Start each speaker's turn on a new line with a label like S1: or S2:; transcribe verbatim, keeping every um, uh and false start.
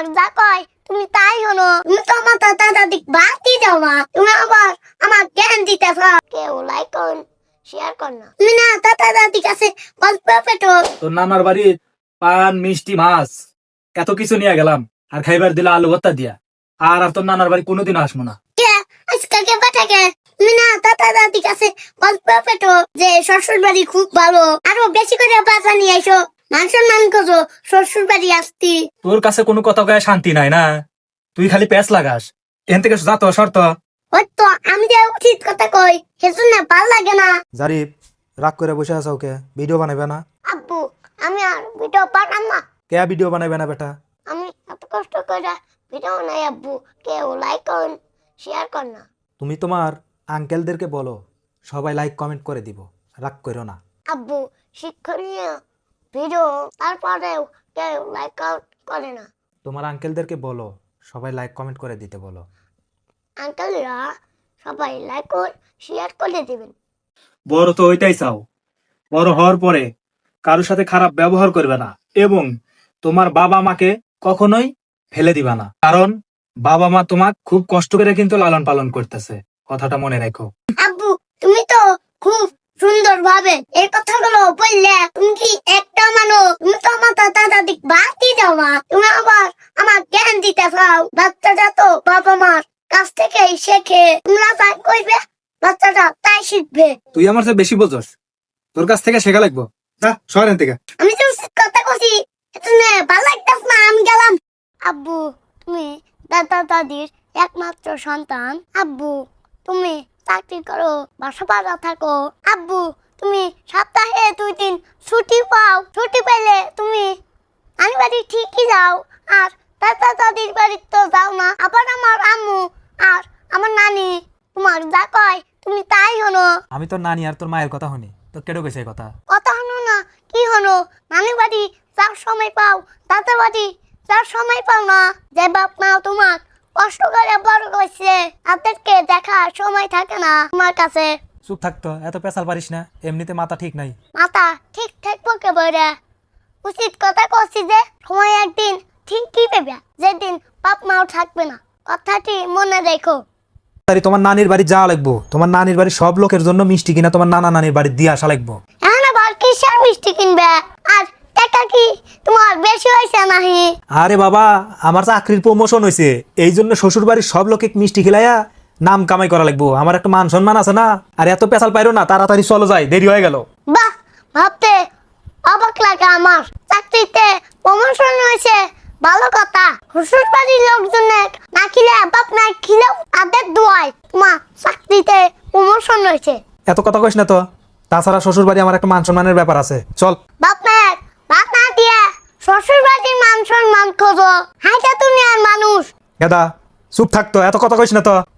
S1: তোমার যা কয় তুমি তাই হলো। তুমি তো আমার দাদা দাদি বাতি দাও না, তুমি আবার আমার জ্ঞান দিতে চাও। কেউ লাইক করুন, শেয়ার কর না। তুমি না দাদা দাদি কাছে গল্প পেটো।
S2: তোর নানার বাড়ির পান মিষ্টি মাছ এত কিছু নিয়ে গেলাম, আর খাইবার দিলা আলু ভর্তা দিয়া। আর আর তোর নানার বাড়ি কোনোদিন আসবো না।
S1: কে আজকাল কে পাঠাকে? তুমি না দাদা দাদি কাছে গল্প পেটো যে শ্বশুর বাড়ি খুব ভালো, আরো বেশি করে বাজা নিয়ে এসো, মান সম্মান করো, শ্বশুর বাড়ি আসতি।
S2: তোর কাছে কোনো কথা কয়ে শান্তি নাই না, তুই খালি প্যাঁচ লাগাস। এখান থেকে যা তো শর্ত।
S1: ওই তো আমি যে উচিত কথা কই সেজন্য ভাল লাগে না।
S3: জারিফ রাগ করে বসে আছো, ওকে ভিডিও বানাবে না?
S1: আব্বু আমি আর ভিডিও বানাম না।
S3: কে ভিডিও বানাবে না বেটা?
S1: আমি এত কষ্ট করে ভিডিও নাই আব্বু, কেউ লাইক করুন, শেয়ার কর না।
S3: তুমি তোমার আঙ্কেলদেরকে বলো সবাই লাইক কমেন্ট করে দিব, রাগ করো না।
S1: আব্বু শিক্ষণীয় ভিডিও তারপরেও কেউ লাইক করে না।
S3: তোমার আঙ্কেলদেরকে বলো সবাই লাইক কমেন্ট করে দিতে বলো।
S1: আঙ্কেলরা সবাই লাইক ও শেয়ার করে দিবেন।
S2: বড় তো ওইটাই চাও, বড় হওয়ার পরে কারোর সাথে খারাপ ব্যবহার করবে না, এবং তোমার বাবা মাকে কখনোই ফেলে দিবা না, কারণ বাবা মা তোমাক খুব কষ্ট করে কিন্তু লালন পালন করতেছে, কথাটা মনে রাখো।
S1: আব্বু তুমি তো খুব সুন্দর ভাবে এই কথাগুলো বললে, তুমি কি একটা মানো? তুমি তো আমার দাদা দাদি বাতি দাও না, তুমি আবার আমার জ্ঞান দিতে চাও। বাচ্চাটা তো বাবা মার কাছ থেকেই শেখে, তোমরা তাই কইবে বাচ্চাটা তাই শিখবে।
S2: তুই আমার চেয়ে বেশি বোঝস, তোর কাছ থেকে শেখা লাগবো। যা শহরের থেকে।
S1: আমি তো কথা কছি এজন্য ভালো লাগতাস না, আমি গেলাম। আব্বু তুমি দাদা দাদির একমাত্র সন্তান। আব্বু তুমি চাকরি করো, বাসা ভাড়া থাকো। আব্বু তুমি সপ্তাহে দুই দিন ছুটি পাও, ছুটি পেলে তুমি আমি বাড়ি ঠিকই যাও, আর দাদা দাদির বাড়ি তো যাও না। আবার আমার আম্মু আর আমার নানি তোমার যা কয় তুমি তাই হলো।
S3: আমি তোর নানি আর তোর মায়ের কথা শুনি, তো কেটে গেছে এই কথা?
S1: কথা হলো না কি হলো? নানি বাড়ি যার সময় পাও, দাদা বাড়ি যার সময় পাও না। যে বাপ মা তোমার কষ্ট করে বড় করছে, তাদেরকে দেখার সময় থাকে না তোমার কাছে।
S3: চুপ থাকতো, এত পেশাল পারিস না, এমনিতে মাথা ঠিক নাই।
S1: মাথা ঠিক থাকবো কে বলে? উচিত কথা করছি যে সময় একদিন ঠিকই পেবে, যেদিন বাপ মাও থাকবে না। কথাটি মনে রেখো।
S3: তাই তোমার নানির বাড়ি যাওয়া লাগবো, তোমার নানির বাড়ি সব লোকের জন্য মিষ্টি কিনা তোমার নানা নানির বাড়ি দিয়ে আসা লাগবো।
S1: এখন আবার কিসের মিষ্টি কিনবে? আর টাকা কি তোমার বেশি হয়েছে নাহি?
S3: আরে বাবা, আমার চাকরির প্রমোশন হয়েছে, এই জন্য শ্বশুর বাড়ির সব লোকে মিষ্টি খিলাইয়া নাম কামাই করা লাগবো, আমার একটা মান সম্মান আছে না। আর এত পেশাল পাইরো না, তাড়াতাড়ি চলো যাই, দেরি হয়ে গেল।
S1: বাহ, ভাবতে অবাক লাগে আমার। চাকরিতে প্রমোশন হয়েছে ভালো কথা, শ্বশুর বাড়ির লোকজন না খিলে বাপ না খিলেও তাদের দোয়ায় তোমার চাকরিতে প্রমোশন হয়েছে।
S3: এত কথা কইস না তো, তাছাড়া শ্বশুর বাড়ি আমার একটা মান সম্মানের ব্যাপার আছে, চল।
S1: বাপ মায়ের ভাত না দিয়ে শ্বশুর বাড়ির মান সম্মান খোঁজো, হাইটা দুনিয়ার মানুষ।
S3: গেদা চুপ থাকতো, এত কথা কইস না তো।